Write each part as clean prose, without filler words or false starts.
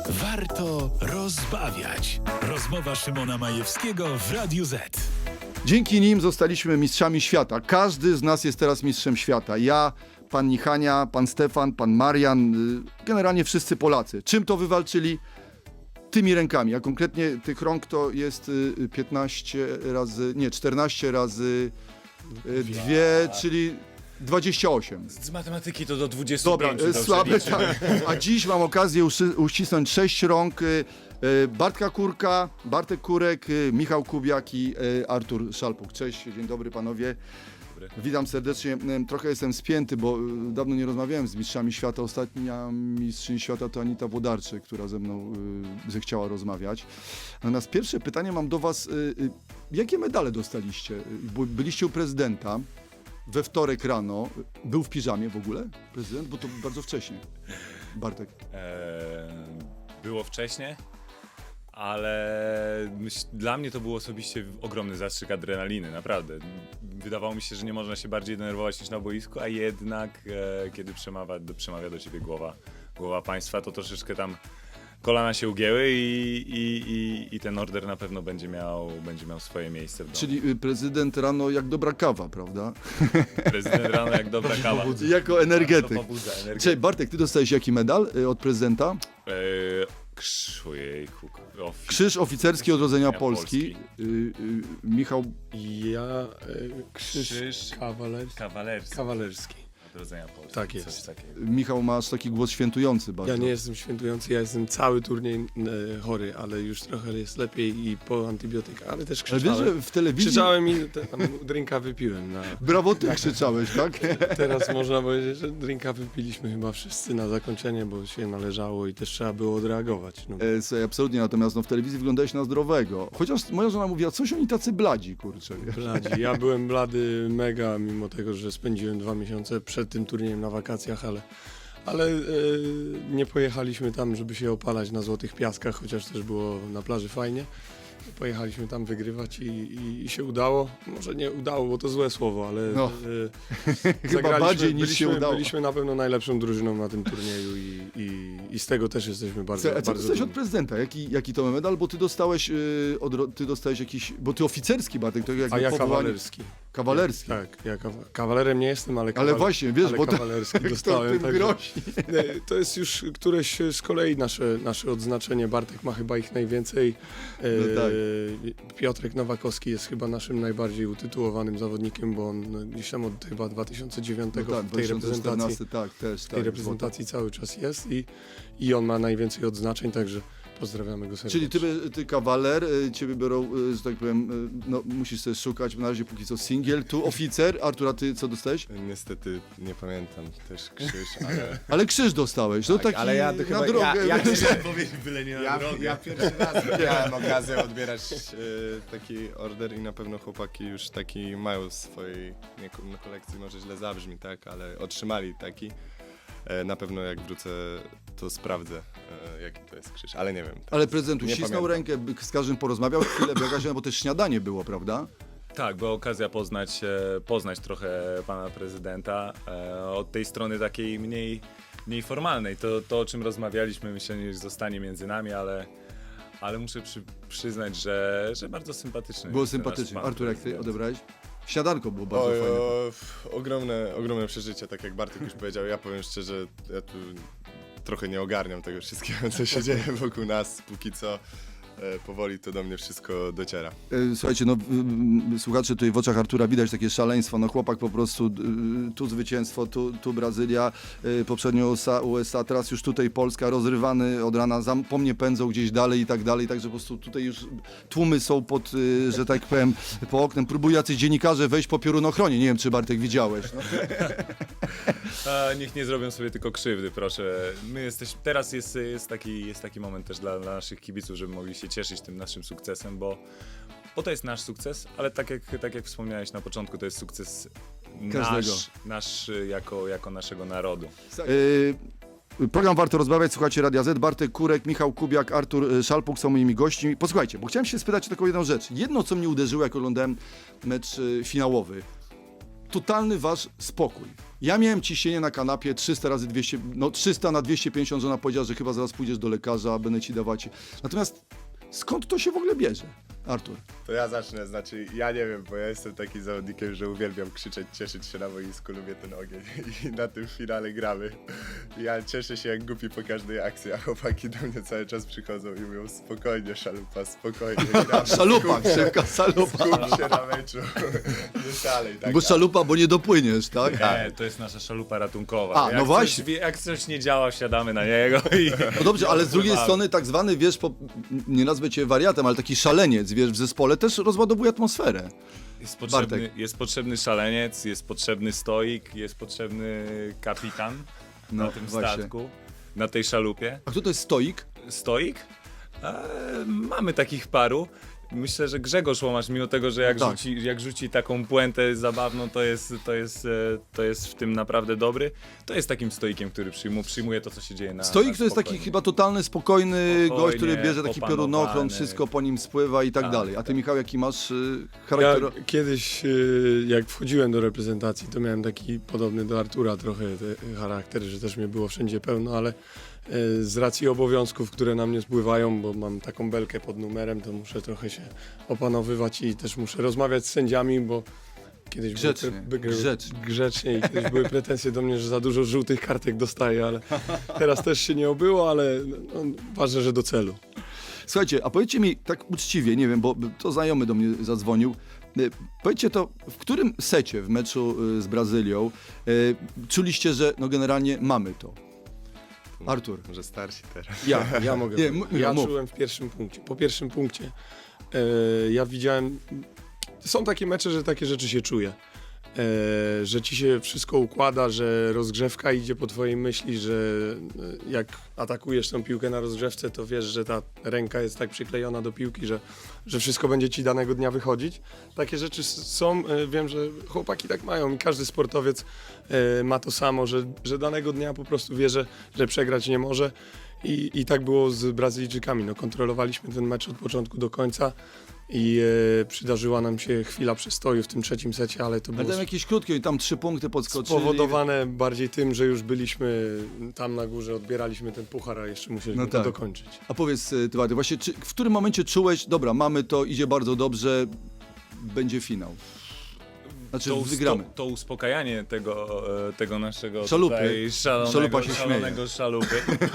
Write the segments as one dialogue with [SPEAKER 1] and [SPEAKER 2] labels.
[SPEAKER 1] Warto rozbawiać. Rozmowa Szymona Majewskiego w Radiu Z.
[SPEAKER 2] Dzięki nim zostaliśmy mistrzami świata. Każdy z nas jest teraz mistrzem świata. Ja, pan Nichania, pan Stefan, pan Marian, generalnie wszyscy Polacy. Czym to wywalczyli? Tymi rękami, a konkretnie tych rąk to jest 14 razy 2, czyli 28.
[SPEAKER 3] Z matematyki to do 25.
[SPEAKER 2] Dobra, słabe, tak. A dziś mam okazję uścisnąć 6 rąk Bartka Kurka, Bartek Kurek, Michał Kubiak i Artur Szalpuk. Cześć, dzień dobry panowie. Witam serdecznie. Trochę jestem spięty, bo dawno nie rozmawiałem z mistrzami świata. Ostatnia mistrzyni świata to Anita Włodarczyk, która ze mną zechciała rozmawiać. Natomiast pierwsze pytanie mam do was. Jakie medale dostaliście? Byliście u prezydenta we wtorek rano. Był w piżamie w ogóle prezydent? Bo to bardzo wcześnie. Bartek.
[SPEAKER 3] Było wcześnie, ale dla mnie to był osobiście ogromny zastrzyk adrenaliny, naprawdę. Wydawało mi się, że nie można się bardziej denerwować niż na boisku, a jednak kiedy przemawia do ciebie głowa państwa, to troszeczkę tam kolana się ugięły i ten order na pewno będzie miał swoje miejsce w domu.
[SPEAKER 2] Czyli prezydent rano jak dobra kawa, prawda?
[SPEAKER 3] Prezydent rano jak dobra kawa.
[SPEAKER 2] Jako energetyk.
[SPEAKER 3] To pobudza energetyk.
[SPEAKER 2] Cześć, Bartek, ty dostałeś jaki medal od prezydenta?
[SPEAKER 3] Ojejku.
[SPEAKER 2] Krzyż Oficerski Odrodzenia
[SPEAKER 3] Polski.
[SPEAKER 2] Polski. Michał,
[SPEAKER 4] Ja krzyż kawalerski.
[SPEAKER 3] Odrodzenia Polski.
[SPEAKER 4] Tak jest.
[SPEAKER 3] Coś takiego.
[SPEAKER 2] Michał masz taki głos świętujący bardzo.
[SPEAKER 4] Ja nie jestem świętujący, ja jestem cały turniej chory, ale już trochę jest lepiej i po antybiotykach, ale też
[SPEAKER 2] Ale wiesz,
[SPEAKER 4] krzyczałem.
[SPEAKER 2] że w telewizji...
[SPEAKER 4] Krzyczałem i tam drinka wypiłem.
[SPEAKER 2] Brawo, ty krzyczałeś, tak?
[SPEAKER 4] Teraz można powiedzieć, że drinka wypiliśmy chyba wszyscy na zakończenie, bo się należało i też trzeba było odreagować. No.
[SPEAKER 2] Słuchaj, absolutnie, natomiast w telewizji wyglądałeś na zdrowego. Chociaż moja żona mówiła, coś oni tacy bladzi, kurczę. Wiesz?
[SPEAKER 4] Bladzi. Ja byłem blady mega, mimo tego, że spędziłem 2 miesiące przed tym turniejem na wakacjach, ale nie pojechaliśmy tam, żeby się opalać na Złotych Piaskach, chociaż też było na plaży fajnie. Pojechaliśmy tam wygrywać i się udało. Może nie udało, bo to złe słowo, ale
[SPEAKER 2] No. Chyba bardziej niż się udało.
[SPEAKER 4] Byliśmy na pewno najlepszą drużyną na tym turnieju i z tego też jesteśmy bardzo,
[SPEAKER 2] A co
[SPEAKER 4] bardzo
[SPEAKER 2] dostałeś od
[SPEAKER 4] dumni.
[SPEAKER 2] prezydenta? Jaki to medal? Bo ty dostałeś, jakiś... Bo ty oficerski, Bartek, to jakby
[SPEAKER 4] A ja
[SPEAKER 2] powołanie-
[SPEAKER 4] kawalerski.
[SPEAKER 2] Kawalerski.
[SPEAKER 4] Tak, ja kawalerem nie jestem, ale
[SPEAKER 2] Ale właśnie, wiesz,
[SPEAKER 4] ale
[SPEAKER 2] bo to,
[SPEAKER 4] kawalerski
[SPEAKER 2] kto
[SPEAKER 4] dostałem.
[SPEAKER 2] tym
[SPEAKER 4] także-
[SPEAKER 2] grozi?
[SPEAKER 4] To jest już któreś z kolei nasze odznaczenie. Bartek ma chyba ich najwięcej.
[SPEAKER 2] No tak.
[SPEAKER 4] Piotrek Nowakowski jest chyba naszym najbardziej utytułowanym zawodnikiem, bo on gdzieś tam od chyba 2009
[SPEAKER 2] No tak,
[SPEAKER 4] w tej
[SPEAKER 2] 2014, tak, też.
[SPEAKER 4] w tej reprezentacji cały czas jest i on ma najwięcej odznaczeń, także pozdrawiamy go serdecznie.
[SPEAKER 2] Czyli ty kawaler, ciebie biorą, że tak powiem, no musisz sobie szukać, na razie póki co singiel, tu oficer. Artura, ty co dostałeś?
[SPEAKER 5] Niestety nie pamiętam też krzyż, ale
[SPEAKER 2] Ale krzyż dostałeś, no
[SPEAKER 5] Tak,
[SPEAKER 2] taki
[SPEAKER 5] ale ja to
[SPEAKER 2] na
[SPEAKER 5] chyba-
[SPEAKER 2] drogę.
[SPEAKER 5] ja-
[SPEAKER 2] wiesz.
[SPEAKER 3] Powiedzieć byle nie na
[SPEAKER 5] ja
[SPEAKER 3] drogę.
[SPEAKER 5] pierwszy raz miałem okazję odbierać taki order i na pewno chłopaki już taki mają w swojej kolekcji, może źle zabrzmi, tak, ale otrzymali taki. Na pewno jak wrócę, to sprawdzę, jaki to jest krzyż, ale nie wiem.
[SPEAKER 2] Ale prezydent
[SPEAKER 5] Nie
[SPEAKER 2] uścisnął
[SPEAKER 5] pamiętam.
[SPEAKER 2] rękę, z każdym porozmawiał, chwilę biegać, bo też śniadanie było, prawda?
[SPEAKER 3] Tak, była okazja poznać trochę pana prezydenta od tej strony takiej mniej formalnej. To o czym rozmawialiśmy, myślę, że zostanie między nami, ale muszę przyznać, że bardzo sympatyczny.
[SPEAKER 2] Było
[SPEAKER 3] jest ten nasz
[SPEAKER 2] sympatycznie.
[SPEAKER 3] pan
[SPEAKER 2] Artur, jak ty
[SPEAKER 3] prezydent.
[SPEAKER 2] odebrałeś? Śniadanko było bardzo
[SPEAKER 5] Oj,
[SPEAKER 2] fajne.
[SPEAKER 5] ogromne przeżycie, tak jak Bartek już powiedział. Ja powiem szczerze, ja tu trochę nie ogarniam tego wszystkiego, co się dzieje wokół nas. Póki co powoli to do mnie wszystko dociera.
[SPEAKER 2] Słuchajcie, no słuchacze, tutaj w oczach Artura widać takie szaleństwo, no chłopak po prostu, tu zwycięstwo, tu Brazylia, poprzednio USA, teraz już tutaj Polska, rozrywany od rana, po mnie pędzą gdzieś dalej i tak dalej, także po prostu tutaj już tłumy są pod, że tak powiem, po oknem, próbują jacyś dziennikarze wejść po piorunochronie, nie wiem, czy Bartek widziałeś. No.
[SPEAKER 3] Niech nie zrobią sobie tylko krzywdy, proszę. Teraz jest taki moment też dla naszych kibiców, żeby mogli się cieszyć tym naszym sukcesem, bo to jest nasz sukces, ale tak jak wspomniałeś na początku, to jest sukces
[SPEAKER 2] Każdego.
[SPEAKER 3] nasz jako naszego narodu.
[SPEAKER 2] Program Warto Rozmawiać, słuchacie Radia Z, Bartek Kurek, Michał Kubiak, Artur Szalpuk są moimi gośćmi. Posłuchajcie, bo chciałem się spytać o taką jedną rzecz. Jedno, co mnie uderzyło, jak oglądałem mecz finałowy. totalny wasz spokój. Ja miałem ciśnienie na kanapie 300 razy 200, no 300 na 250, żona powiedziała, że chyba zaraz pójdziesz do lekarza, będę ci dawać. Natomiast skąd to się w ogóle bierze, Artur?
[SPEAKER 5] To ja zacznę, znaczy ja nie wiem, bo ja jestem takim zawodnikiem, że uwielbiam krzyczeć, cieszyć się na boisku, lubię ten ogień i na tym finale gramy. Ja cieszę się jak głupi po każdej akcji, a chłopaki do mnie cały czas przychodzą i mówią spokojnie Szalupa, spokojnie gramy.
[SPEAKER 2] Szalupa,
[SPEAKER 5] skup się,
[SPEAKER 2] szybka szalupa.
[SPEAKER 5] skup się na meczu, nie szalej. Tak,
[SPEAKER 2] Bo szalupa, bo nie dopłyniesz, tak?
[SPEAKER 3] Nie, to jest nasza szalupa ratunkowa.
[SPEAKER 2] A, no właśnie.
[SPEAKER 3] Jak coś nie działa, wsiadamy na niego i...
[SPEAKER 2] No dobrze, ale z drugiej
[SPEAKER 3] Pływamy.
[SPEAKER 2] strony tak zwany, wiesz, nie nazwę cię wariatem, ale taki szaleniec, wiesz, w zespole też rozładowuje atmosferę.
[SPEAKER 3] Jest potrzebny szaleniec, jest potrzebny stoik, jest potrzebny kapitan
[SPEAKER 2] No,
[SPEAKER 3] na tym
[SPEAKER 2] właśnie.
[SPEAKER 3] statku, na tej szalupie.
[SPEAKER 2] A kto to jest stoik?
[SPEAKER 3] Stoik? Mamy takich paru. Myślę, że Grzegorz Łomasz, mimo tego, że jak,
[SPEAKER 2] Tak.
[SPEAKER 3] jak rzuci taką puentę zabawną, to jest w tym naprawdę dobry. To jest takim stoikiem, który przyjmuje to, co się dzieje na
[SPEAKER 2] Stoik to jest taki
[SPEAKER 3] spokojnie.
[SPEAKER 2] chyba totalny, spokojny gość, który
[SPEAKER 3] Spokojnie,
[SPEAKER 2] bierze taki
[SPEAKER 3] opanowany.
[SPEAKER 2] piorunochron, wszystko po nim spływa i tak
[SPEAKER 3] Tak,
[SPEAKER 2] dalej. A ty,
[SPEAKER 3] tak.
[SPEAKER 2] Michał, jaki masz
[SPEAKER 4] Ja
[SPEAKER 2] charakter?
[SPEAKER 4] kiedyś, jak wchodziłem do reprezentacji, to miałem taki podobny do Artura trochę charakter, że też mnie było wszędzie pełno, ale z racji obowiązków, które na mnie spływają, bo mam taką belkę pod numerem, to muszę trochę się opanowywać i też muszę rozmawiać z sędziami, bo kiedyś
[SPEAKER 2] Grzecznie, grzecznie.
[SPEAKER 4] grzecznie i kiedyś były pretensje do mnie, że za dużo żółtych kartek dostaję, ale teraz też się nie obyło, ale no, ważne, że do celu.
[SPEAKER 2] Słuchajcie, a powiedzcie mi tak uczciwie, nie wiem, bo to znajomy do mnie zadzwonił. Powiedzcie to, w którym secie w meczu z Brazylią czuliście, że no generalnie mamy to? Artur.
[SPEAKER 5] Może starsi teraz.
[SPEAKER 4] Ja mogę.
[SPEAKER 2] Nie,
[SPEAKER 4] powiedzieć.
[SPEAKER 2] mów.
[SPEAKER 4] Ja czułem w pierwszym punkcie. Po pierwszym punkcie ja widziałem. Są takie mecze, że takie rzeczy się czuje. Że ci się wszystko układa, że rozgrzewka idzie po twojej myśli, że jak atakujesz tą piłkę na rozgrzewce, to wiesz, że ta ręka jest tak przyklejona do piłki, że wszystko będzie ci danego dnia wychodzić. Takie rzeczy są, wiem, że chłopaki tak mają i każdy sportowiec ma to samo, że danego dnia po prostu wie, że przegrać nie może. I tak było z Brazylijczykami. No, kontrolowaliśmy ten mecz od początku do końca i przydarzyła nam się chwila przestoju w tym trzecim secie, ale to
[SPEAKER 2] Ale
[SPEAKER 4] było
[SPEAKER 2] tam jakieś krótkie, tam 3 punkty podskoczyli.
[SPEAKER 4] spowodowane bardziej tym, że już byliśmy tam na górze, odbieraliśmy ten puchar, a jeszcze musieliśmy
[SPEAKER 2] No
[SPEAKER 4] to
[SPEAKER 2] tak.
[SPEAKER 4] dokończyć.
[SPEAKER 2] A powiedz, ty, Wady, właśnie w którym momencie czułeś, dobra, mamy to, idzie bardzo dobrze, będzie finał? Znaczy wygramy.
[SPEAKER 3] To uspokajanie tego naszego
[SPEAKER 2] Szalupy.
[SPEAKER 3] tutaj
[SPEAKER 2] Szalupa się
[SPEAKER 3] szalonego szalupy.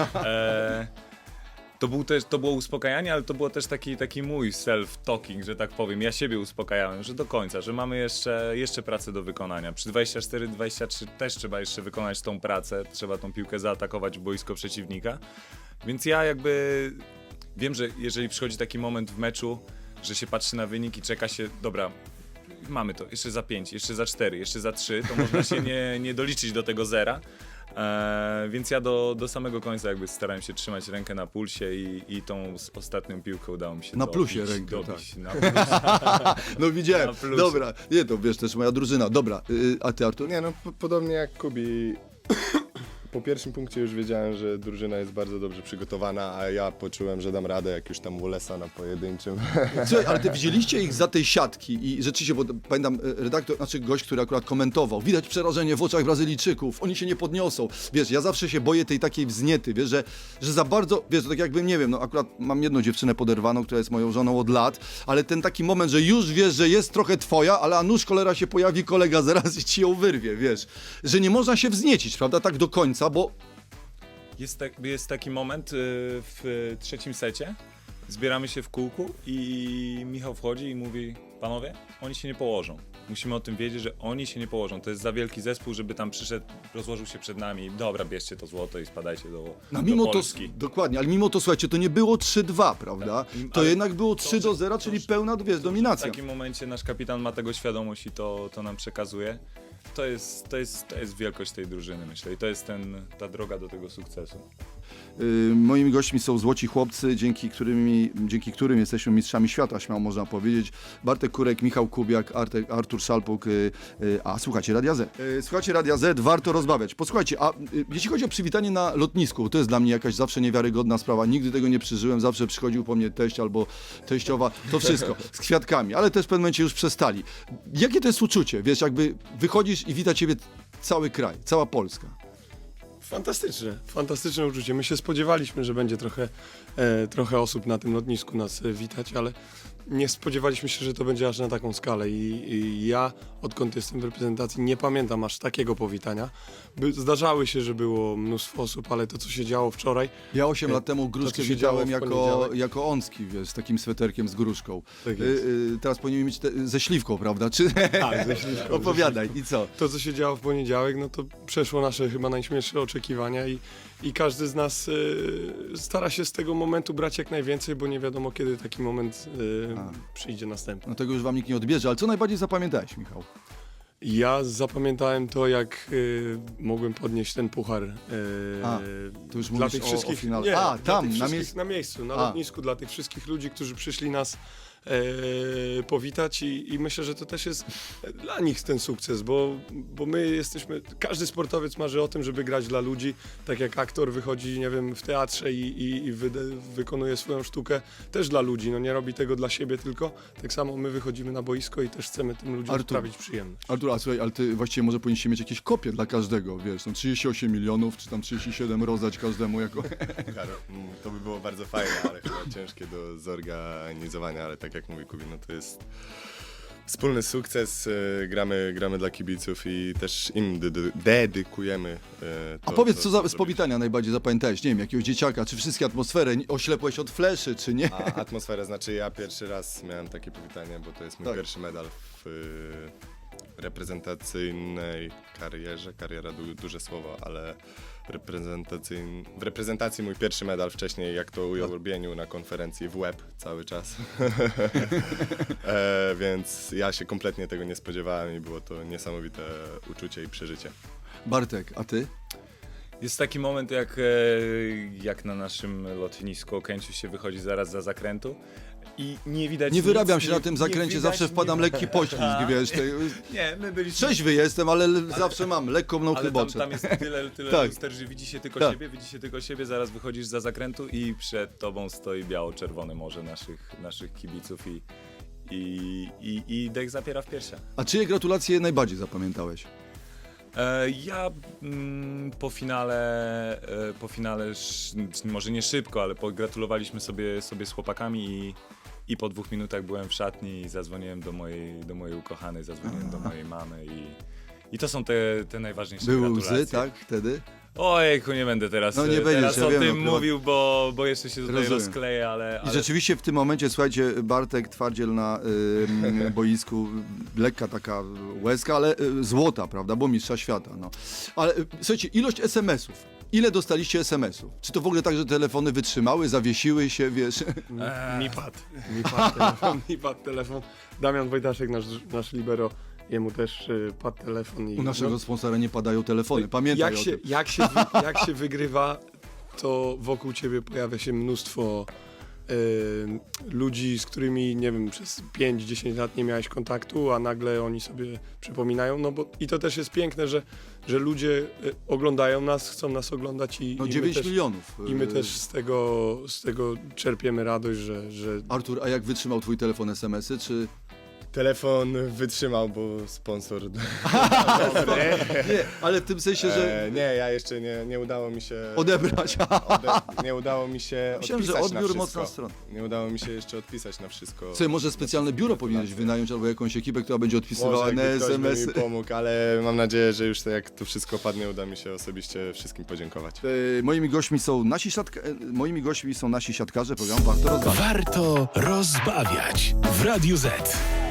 [SPEAKER 3] To było uspokajanie, ale to było też taki mój self-talking, że tak powiem. Ja siebie uspokajałem, że do końca, że mamy jeszcze pracę do wykonania. Przy 24-23 też trzeba jeszcze wykonać tą pracę, trzeba tą piłkę zaatakować w boisko przeciwnika. Więc ja jakby wiem, że jeżeli przychodzi taki moment w meczu, że się patrzy na wynik i czeka się, dobra, mamy to, jeszcze za 5, jeszcze za 4, jeszcze za 3, to można się nie doliczyć do tego zera. Więc ja do samego końca jakby starałem się trzymać rękę na pulsie i tą ostatnią piłkę udało mi się
[SPEAKER 2] Na
[SPEAKER 3] dobić,
[SPEAKER 2] plusie rękę,
[SPEAKER 3] dobić,
[SPEAKER 2] tak.
[SPEAKER 3] na plusie.
[SPEAKER 2] No widziałem,
[SPEAKER 3] Na plusie.
[SPEAKER 2] dobra, nie, to wiesz, też moja drużyna, dobra, a ty, Artur?
[SPEAKER 5] Nie no, podobnie jak Kubi. Po pierwszym punkcie już wiedziałem, że drużyna jest bardzo dobrze przygotowana, a ja poczułem, że dam radę, jak już tam Wallace'a na pojedynczym.
[SPEAKER 2] Słuchaj, ale ty widzieliście ich za tej siatki i rzeczywiście, bo pamiętam redaktor, znaczy gość, który akurat komentował, widać przerażenie w oczach Brazylijczyków, oni się nie podniosą. Wiesz, ja zawsze się boję tej takiej wzniety, wiesz, że za bardzo, wiesz, to tak jakbym, nie wiem, no akurat mam jedną dziewczynę poderwaną, która jest moją żoną od lat, ale ten taki moment, że już wiesz, że jest trochę twoja, ale a nuż cholera się pojawi kolega zaraz i ci ją wyrwie, wiesz, że nie można się wzniecić, prawda, tak do końca, bo
[SPEAKER 3] Jest taki moment w trzecim secie, zbieramy się w kółku i Michał wchodzi i mówi: panowie, oni się nie położą. Musimy o tym wiedzieć, że oni się nie położą. To jest za wielki zespół, żeby tam przyszedł, rozłożył się przed nami. Dobra, bierzcie to złoto i spadajcie
[SPEAKER 2] no mimo
[SPEAKER 3] do
[SPEAKER 2] to,
[SPEAKER 3] Polski.
[SPEAKER 2] dokładnie, ale mimo to, słuchajcie, to nie było 3-2, prawda? To
[SPEAKER 3] Ale
[SPEAKER 2] jednak było 3-0, czyli pełna, wiesz,
[SPEAKER 3] W
[SPEAKER 2] dominacja.
[SPEAKER 3] takim momencie nasz kapitan ma tego świadomość i to nam przekazuje. To jest wielkość tej drużyny, myślę. I to jest ta droga do tego sukcesu.
[SPEAKER 2] Moimi gośćmi są złoci chłopcy, dzięki którym jesteśmy mistrzami świata, śmiało można powiedzieć. Bartek Kurek, Michał Kubiak, Artur Szalpuk, a słuchacie Radia Z. Słuchacie Radia Z, warto rozmawiać. Posłuchajcie, a jeśli chodzi o przywitanie na lotnisku, to jest dla mnie jakaś zawsze niewiarygodna sprawa. Nigdy tego nie przeżyłem, zawsze przychodził po mnie teść albo teściowa, to wszystko, z kwiatkami, ale też w pewnym momencie już przestali. Jakie to jest uczucie? Wiesz, jakby wychodzisz i wita ciebie cały kraj, cała Polska.
[SPEAKER 4] Fantastyczne uczucie. My się spodziewaliśmy, że będzie trochę osób na tym lotnisku nas witać, ale nie spodziewaliśmy się, że to będzie aż na taką skalę i ja, odkąd jestem w reprezentacji, nie pamiętam aż takiego powitania. Zdarzały się, że było mnóstwo osób, ale to, co się działo wczoraj...
[SPEAKER 2] Ja 8 lat temu gruszkę
[SPEAKER 4] co się działo
[SPEAKER 2] widziałem
[SPEAKER 4] w poniedziałek.
[SPEAKER 2] jako Onski, wiesz, z takim sweterkiem z gruszką.
[SPEAKER 4] Tak jest.
[SPEAKER 2] Teraz powinien mieć ze śliwką, prawda? Czy...
[SPEAKER 4] Tak, ze śliwką.
[SPEAKER 2] Opowiadaj, i co?
[SPEAKER 4] To, co się działo w poniedziałek, no to przeszło nasze chyba najśmielsze oczekiwania i każdy z nas stara się z tego momentu brać jak najwięcej, bo nie wiadomo, kiedy taki moment przyjdzie następny.
[SPEAKER 2] No tego już wam nikt nie odbierze, ale co najbardziej zapamiętałeś, Michał?
[SPEAKER 4] Ja zapamiętałem to, jak mogłem podnieść ten puchar
[SPEAKER 2] to już
[SPEAKER 4] dla
[SPEAKER 2] mówisz
[SPEAKER 4] tych
[SPEAKER 2] o
[SPEAKER 4] wszystkich.
[SPEAKER 2] finale.
[SPEAKER 4] Nie,
[SPEAKER 2] A,
[SPEAKER 4] dla
[SPEAKER 2] tam,
[SPEAKER 4] tych
[SPEAKER 2] na
[SPEAKER 4] wszystkich
[SPEAKER 2] miejscu.
[SPEAKER 4] na miejscu, na lotnisku, dla tych wszystkich ludzi, którzy przyszli nas powitać i myślę, że to też jest dla nich ten sukces, bo my jesteśmy, każdy sportowiec marzy o tym, żeby grać dla ludzi, tak jak aktor wychodzi, nie wiem, w teatrze i wykonuje swoją sztukę też dla ludzi, no nie robi tego dla siebie tylko, tak samo my wychodzimy na boisko i też chcemy tym ludziom
[SPEAKER 2] Artur.
[SPEAKER 4] sprawić przyjemność.
[SPEAKER 2] Artur, a słuchaj, ale ty właściwie może powinniście mieć jakieś kopie dla każdego, wiesz, tam 38 milionów, czy tam 37 rozdać każdemu jako...
[SPEAKER 5] To by było bardzo fajne, ale chyba ciężkie do zorganizowania, ale tak jak mówi Kubin, no to jest wspólny sukces, gramy dla kibiców i też im dedykujemy to.
[SPEAKER 2] A powiedz, co z
[SPEAKER 5] zrobiliśmy.
[SPEAKER 2] powitania najbardziej zapamiętałeś? Nie wiem, jakiegoś dzieciaka, czy wszystkie atmosferę, oślepłeś od fleszy, czy nie?
[SPEAKER 5] A atmosfera, znaczy ja pierwszy raz miałem takie powitanie, bo to jest mój
[SPEAKER 2] Tak.
[SPEAKER 5] pierwszy medal w reprezentacyjnej karierze. Kariera duże słowo, ale w reprezentacji mój pierwszy medal wcześniej, jak to ujął Urbieniu na konferencji w łeb cały czas. Więc ja się kompletnie tego nie spodziewałem i było to niesamowite uczucie i przeżycie.
[SPEAKER 2] Bartek, a ty?
[SPEAKER 3] Jest taki moment, jak na naszym lotnisku Okęciu się wychodzi zaraz za zakrętu i nie widać
[SPEAKER 2] Nie
[SPEAKER 3] nic,
[SPEAKER 2] wyrabiam się na tym
[SPEAKER 3] nie
[SPEAKER 2] zakręcie,
[SPEAKER 3] widać,
[SPEAKER 2] zawsze wpadam
[SPEAKER 3] nie...
[SPEAKER 2] lekki poślizg, wiesz.
[SPEAKER 3] Nie, my byliśmy...
[SPEAKER 2] Trzeźwy jestem, ale zawsze mam lekką mną
[SPEAKER 3] Ale
[SPEAKER 2] chyboczę.
[SPEAKER 3] tam jest tyle
[SPEAKER 2] Tak.
[SPEAKER 3] luster, że widzi się tylko
[SPEAKER 2] Tak.
[SPEAKER 3] siebie, zaraz wychodzisz za zakrętu i przed tobą stoi biało-czerwone morze naszych kibiców i dech zapiera w piersiach.
[SPEAKER 2] A czyje gratulacje najbardziej zapamiętałeś?
[SPEAKER 3] Ja po finale może nie szybko, ale pogratulowaliśmy sobie z chłopakami i po 2 minutach byłem w szatni i zadzwoniłem do mojej ukochanej, zadzwoniłem do mojej mamy i to są te najważniejsze
[SPEAKER 2] Były
[SPEAKER 3] gratulacje.
[SPEAKER 2] łzy, tak, wtedy?
[SPEAKER 3] Ojejku, nie będę teraz,
[SPEAKER 2] No nie będziesz,
[SPEAKER 3] teraz
[SPEAKER 2] ja
[SPEAKER 3] o
[SPEAKER 2] wiem,
[SPEAKER 3] tym
[SPEAKER 2] no,
[SPEAKER 3] mówił, bo jeszcze się tutaj
[SPEAKER 2] Rozumiem.
[SPEAKER 3] rozkleję, ale
[SPEAKER 2] I rzeczywiście w tym momencie, słuchajcie, Bartek twardziel na boisku, lekka taka łezka, ale złota, prawda, bo mistrza świata, no. Ale słuchajcie, ilość SMS-ów. Ile dostaliście SMS-ów? Czy to w ogóle tak, że telefony wytrzymały, zawiesiły się, wiesz?
[SPEAKER 4] Mi padł telefon. Damian Wojdaszek, nasz libero, jemu też padł telefon. I
[SPEAKER 2] U naszego sponsora nie padają telefony, pamiętaj o tym.
[SPEAKER 4] Jak się wygrywa, to wokół ciebie pojawia się mnóstwo ludzi, z którymi, nie wiem, przez 5-10 lat nie miałeś kontaktu, a nagle oni sobie przypominają, no bo i to też jest piękne, że ludzie oglądają nas, chcą nas oglądać
[SPEAKER 2] No
[SPEAKER 4] i
[SPEAKER 2] 9
[SPEAKER 4] my też,
[SPEAKER 2] milionów.
[SPEAKER 4] i my też z tego czerpiemy radość, że
[SPEAKER 2] Artur, a jak wytrzymał twój telefon SMS-y, czy...
[SPEAKER 5] Telefon wytrzymał, bo sponsor...
[SPEAKER 2] Nie, ale w tym sensie, że
[SPEAKER 5] nie, ja jeszcze nie udało mi się...
[SPEAKER 2] odebrać.
[SPEAKER 5] Nie udało mi się
[SPEAKER 2] Myślałem, że
[SPEAKER 5] odpisać na
[SPEAKER 2] odbiór
[SPEAKER 5] wszystko.
[SPEAKER 2] mocna strona.
[SPEAKER 5] Nie udało mi się jeszcze odpisać na wszystko.
[SPEAKER 2] Słuchaj, może specjalne biuro powinieneś wynająć, albo jakąś ekipę, która będzie odpisywała
[SPEAKER 5] Może
[SPEAKER 2] na
[SPEAKER 5] jakby ktoś by
[SPEAKER 2] SMS-y.
[SPEAKER 5] mi pomógł, ale mam nadzieję, że już jak to wszystko padnie, uda mi się osobiście wszystkim podziękować.
[SPEAKER 2] Moimi gośćmi są nasi siatkarze programu Warto Rozmawiać.
[SPEAKER 1] Warto rozbawiać w Radiu Z.